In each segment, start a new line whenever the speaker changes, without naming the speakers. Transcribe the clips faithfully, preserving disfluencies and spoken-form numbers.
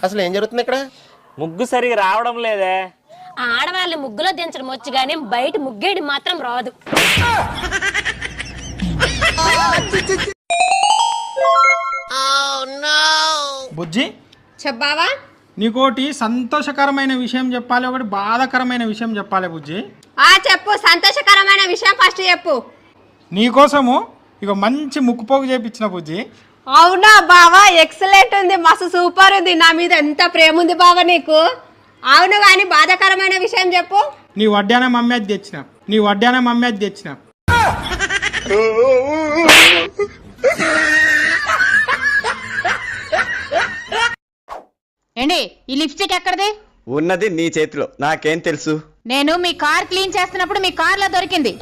అసలు ఏం జరుగుతుంది ఇక్కడ?
ముగ్గు సరిగా రావడం లేదే.
ఆడవాళ్ళని ముగ్గులో దించడం వచ్చు కానీ బయట ముగ్గేయడం మాత్రం రాదు.
బుజ్జి
చెప్పావా?
నీకోటి సంతోషకరమైన విషయం చెప్పాలి, ఒకటి బాధాకరమైన విషయం చెప్పాలి బుజ్జి.
ఆ చెప్పు, సంతోషకరమైన విషయం ఫస్ట్ చెప్పు.
నీకోసము ఇక మంచి ముక్కుపోగు చేపించిన బుజ్జి.
అవునా బావా, ఎక్సలెంట్ ఉంది, మస్తు సూపర్ ఉంది. నా మీద ఎంత ప్రేమ ఉంది బావా నీకు. అవును కానీ బాధాకరమైన విషయం చెప్పు.
నీ వడ్డాన మమ్మీ అది తెచ్చిన నీ వడ్డాన మమ్మీ అది తెచ్చిన
ఏంటి ఈ లిప్స్టిక్ ఎక్కడిది?
ఉన్నది నీ చేతిలో, నాకేం తెలుసు?
నేను మీ కార్ క్లీన్ చేస్తున్నప్పుడు మీ కార్ లో దొరికింది.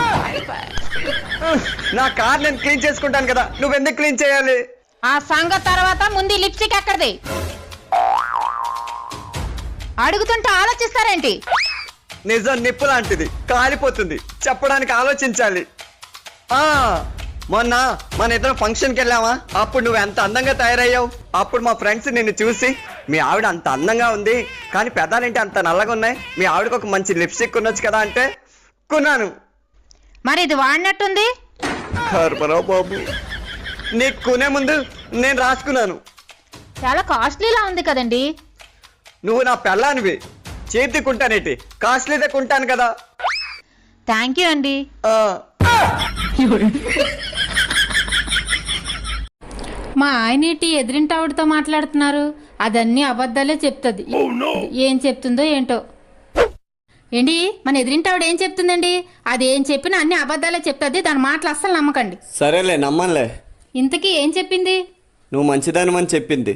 నా కార్ నేను క్లీన్ చేసుకుంటాను కదా, నువ్వెందుకు క్లీన్ చేయాలి?
ఆ సంగతి తర్వాత ముందు ఈ లిప్స్టిక్ ఎక్కడిది? అడుగుతుంటే ఆలోచిస్తారేంటి?
నిజం నిప్పు లాంటిది, కాలిపోతుంది, చెప్పడానికి ఆలోచించాలి. ఆ మొన్న మన ఇద్దరం ఫంక్షన్కి వెళ్ళావా, అప్పుడు నువ్వు ఎంత అందంగా తయారయ్యావు. అప్పుడు మా ఫ్రెండ్స్ నిన్ను చూసి మీ ఆవిడ అంత అందంగా ఉంది కానీ పెదాలేంటి అంత నల్లగా ఉన్నాయి, మీ ఆవిడకి ఒక మంచి లిప్స్టిక్ కొనొచ్చు కదా అంటే కొన్నాను.
మరి ఇది వాడినట్టుంది.
కర్మరావు బాబు, నీకు కొనే ముందు నేను రాసుకున్నాను.
చాలా కాస్ట్లీలా ఉంది కదండి.
నువ్వు నా పెళ్ళానివి, చేతి కొంటానేటి, కాస్ట్లీదే కొంటాను కదా.
థ్యాంక్ యూ అండి. మా ఆయనేటి ఎదిరింటి ఆవిడతో మాట్లాడుతున్నారు, అదన్నీ అబద్ధాలే చెప్తుంది. ఏం చెప్తుందో ఏంటో. ఏంటి మన ఎదిరింటి ఆవిడ ఏం చెప్తుందండి? అది ఏం చెప్పినా అన్ని అబద్ధాలే చెప్తుంది, దాని మాటలు అస్సలు నమ్మకండి.
సరేలే నమ్మలే.
ఇంతకీ ఏం చెప్పింది?
నువ్వు మంచిదానివని చెప్పింది.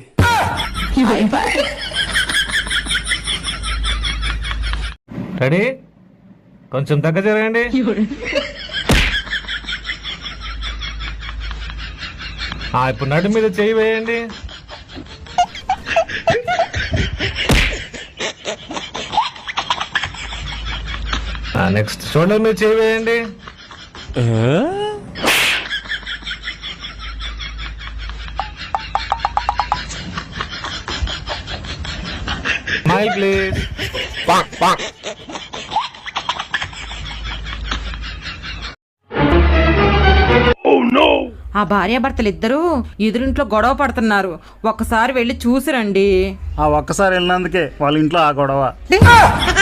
రెడీ, కొంచెం దగ్గర జరగండి. ఇప్పుడు నడు మీద చేయి వేయండి. నెక్స్ట్ షోల్డర్ మీద చేయి వేయండి. Smile please.
ఆ భార్యాభర్తలు ఇద్దరూ ఎదురింట్లో గొడవ పడుతున్నారు, ఒక్కసారి వెళ్ళి చూసిరండి.
ఆ ఒక్కసారి వెళ్ళినందుకే వాళ్ళ ఇంట్లో ఆ గొడవ.